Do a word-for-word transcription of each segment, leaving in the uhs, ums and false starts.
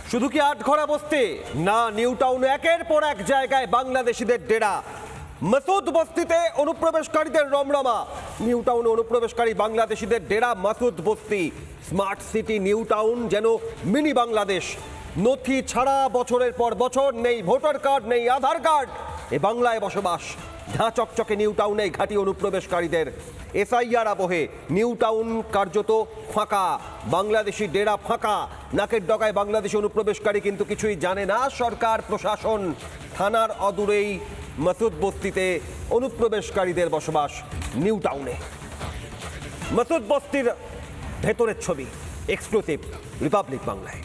শুধু কি আটঘরা বস্তি না, নিউ টাউনে একের পর এক জায়গায় বাংলাদেশিদের ডেরা। মাসুদ বস্তিতে অনুপ্রবেশকারীদের রমরমা। নিউ টাউনে অনুপ্রবেশকারী বাংলাদেশিদের ডেরা মাসুদ বস্তি। স্মার্ট সিটি নিউ টাউন যেন মিনি বাংলাদেশ। নথি ছাড়া বছরের পর বছর, নেই ভোটার কার্ড, নেই আধার কার্ড, এ বাংলায় বসবাস। ঝাঁ চকচকে নিউ টাউনে ঘাঁটি অনুপ্রবেশকারীদের। এসআইআর আবহে নিউ টাউন কার্যত ফাঁকা, বাংলাদেশি ডেরা ফাঁকা। নাকের ডগায় বাংলাদেশি অনুপ্রবেশকারী, কিন্তু কিছুই জানে না সরকার প্রশাসন। থানার অদূরেই মাসুদ বস্তিতে অনুপ্রবেশকারীদের বসবাস নিউ টাউনে। মাসুদ বস্তির ভেতরের ছবি, এক্সক্লুসিভ রিপাবলিক বাংলায়।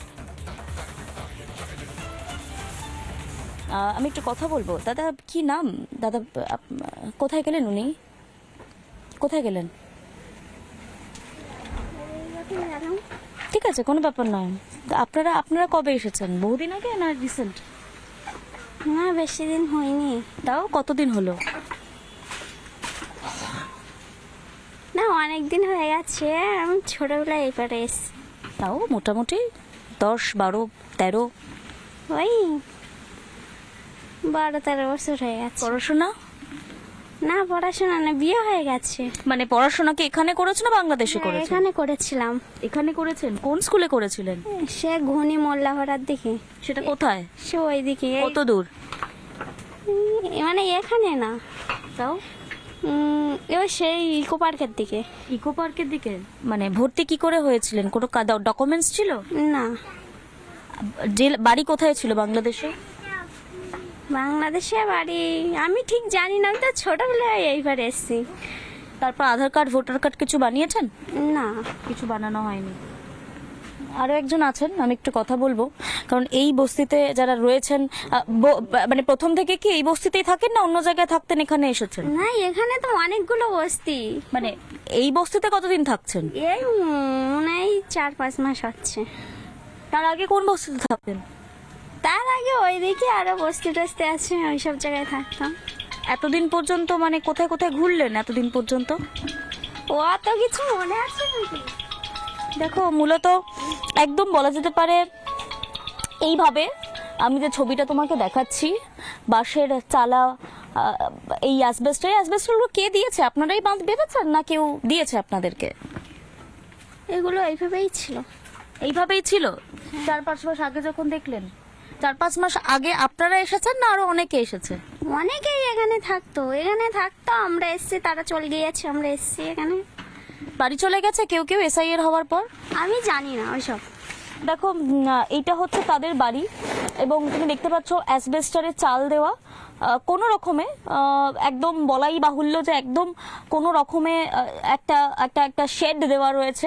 আমি একটু কথা বলবো। দাদা কি নাম? দাদা কোথায় গেলেন? উনি কোথায় গেলেন? ঠিক আছে, কোনো ব্যাপার নয়। আপনারা আপনারা কবে এসেছেন? বহুদিন আগে না রিসেন্ট? না, বেশি দিন হয়নি। তাও কতদিন হলো? না, অনেক দিন হয়ে গেছে। আমি ছোটবেলায় এবারে এসেছি। তাও মোটামুটি দশ বারো তেরো ওই বারো তেরো বছর হয়ে গেছে। পড়াশোনা? না, পড়াশোনা না, বিয়ে হয়ে গেছে। মানে পড়াশোনা কি এখানে করেছো না বাংলাদেশে হ্যাঁ, করেছেন? এখানে করেছিলাম। এখানে করেছেন? কোন স্কুলে করেছিলেন? সে ঘনি মোল্লাহরার দিকে। সেটা কোথায়? সে ওই দিকে। কত দূর? মানে এখানে না, তাও উম, এবার সেই ইকো পার্কের দিকে। ইকো পার্কের দিকে। মানে ভর্তি কি করে হয়েছিলেন? কোনো ডকুমেন্টস ছিল না। যে বাড়ি কোথায় ছিল বাংলাদেশে? বাংলাদেশে বাড়ি আমি ঠিক জানি না, আমি তো ছোটবেলায় এইবার এসেছি। তারপর আধার কার্ড ভোটার কার্ড কিছু বানিয়েছেন? না, কিছু বানানো হয়নি। আরও একজন আছেন, আমি একটু কথা বলবো। কারণ এই বস্তিতে যারা রয়েছেন, আহ, ব- মানে প্রথম থেকে কি এই বস্তিতেই থাকেন না অন্য জায়গায় থাকতেন, এখানে এসেছেন? না, এখানে তো অনেকগুলো বস্তি। মানে এই বস্তিতে কতদিন থাকছেন? এই মনে হয় চার পাঁচ মাস হচ্ছে। তার আগে কোন বস্তিতে থাকতেন? তার আগে ওইদিকে আরো বস্তি টস্তি আছে, ওই সব জায়গায় থাকতাম। এতদিন পর্যন্ত মানে কোথায় কোথায় ঘুরলেন এতদিন পর্যন্ত? ও অত কিছু মনে আছে নাকি? দেখো, মূলত একদম বলা যেতে পারে এইভাবে, আমি যে ছবিটা তোমাকে দেখাচ্ছি, বাঁশের চালা, আহ, এই অ্যাসবেস্ট, এই অ্যাসবেস্টগুলো কে দিয়েছে? আপনারাই বাঁধ বেঁধেছেন না কেউ দিয়েছে আপনাদেরকে? এগুলো এইভাবেই ছিল। এইভাবেই ছিল? চার পাঁচ মাস আগে যখন দেখলেন, চার পাঁচ মাস আগে আপনারা এসেছেন না আরো অনেকে এসেছে? অনেকেই এখানে থাকতো, এখানে থাকতো। আমরা এসছি, তারা চলে গিয়েছে, আমরা এসছি এখানে। বাড়ি চলে গেছে কেউ কেউ এসআইআর হওয়ার পর। আমি জানি না ওইসব। দেখো, উম, এইটা হচ্ছে তাদের বাড়ি এবং তুমি দেখতে পাচ্ছ অ্যাসবেস্টারের চাল দেওয়া। আহ, কোনো রকমে আহ, একদম বলাই বাহুল্য যে একদম কোনো রকমে আহ, একটা একটা একটা শেড দেওয়া রয়েছে,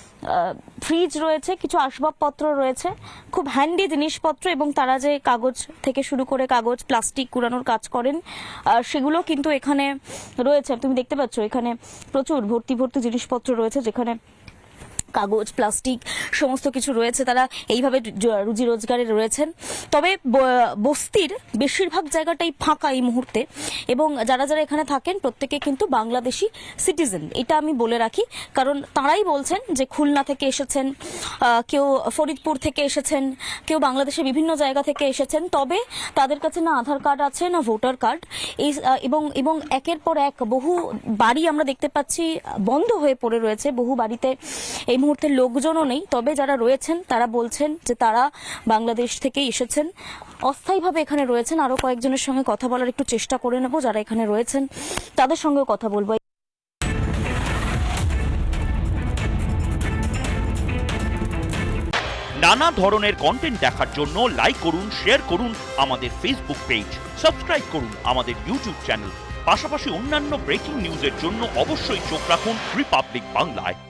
ফ্রিজ রয়েছে, কিছু আসবাবপত্র রয়েছে, খুব হ্যান্ডি জিনিসপত্র। এবং তারা যে কাগজ থেকে শুরু করে কাগজ প্লাস্টিক কুড়ানোর কাজ করেন, আহ, সেগুলো কিন্তু এখানে রয়েছে। তুমি দেখতে পাচ্ছ এখানে প্রচুর ভর্তি ভর্তি জিনিসপত্র রয়েছে, যেখানে কাগজ প্লাস্টিক সমস্ত কিছু রয়েছে। তারা এইভাবে রুজি রোজগারে রয়েছেন। তবে বস্তির বেশিরভাগ জায়গাটাই ফাঁকা এই মুহূর্তে, এবং যারা যারা এখানে থাকেন প্রত্যেকে কিন্তু বাংলাদেশি সিটিজেন, এটা আমি বলে রাখি। কারণ তারাই বলছেন যে খুলনা থেকে এসেছেন, কেউ ফরিদপুর থেকে এসেছেন, কেউ বাংলাদেশের বিভিন্ন জায়গা থেকে এসেছেন। তবে তাদের কাছে না আধার কার্ড আছে না ভোটার কার্ড। এই এবং এবং একের পর এক বহু বাড়ি আমরা দেখতে পাচ্ছি বন্ধ হয়ে পড়ে রয়েছে। বহু বাড়িতে এই মুহূর্তে লোকজনও নেই। তবে যারা রয়েছেন তারা বলছেন যে তারা বাংলাদেশ থেকে এসেছেন, অস্থায়ীভাবে এখানে রয়েছেন। আরো কয়েকজনের সঙ্গে কথা বলার একটু চেষ্টা করে নেব, যারা এখানে রয়েছেন তাদের সঙ্গেও কথা বলবো। নানা ধরনের কন্টেন্ট দেখার জন্য লাইক করুন, শেয়ার করুন আমাদের ফেসবুক পেজ, সাবস্ক্রাইব করুন আমাদের ইউটিউব চ্যানেল। পাশাপাশি অন্যান্য ব্রেকিং নিউজের জন্য অবশ্যই চোখ রাখুন রিপাবলিক বাংলায়।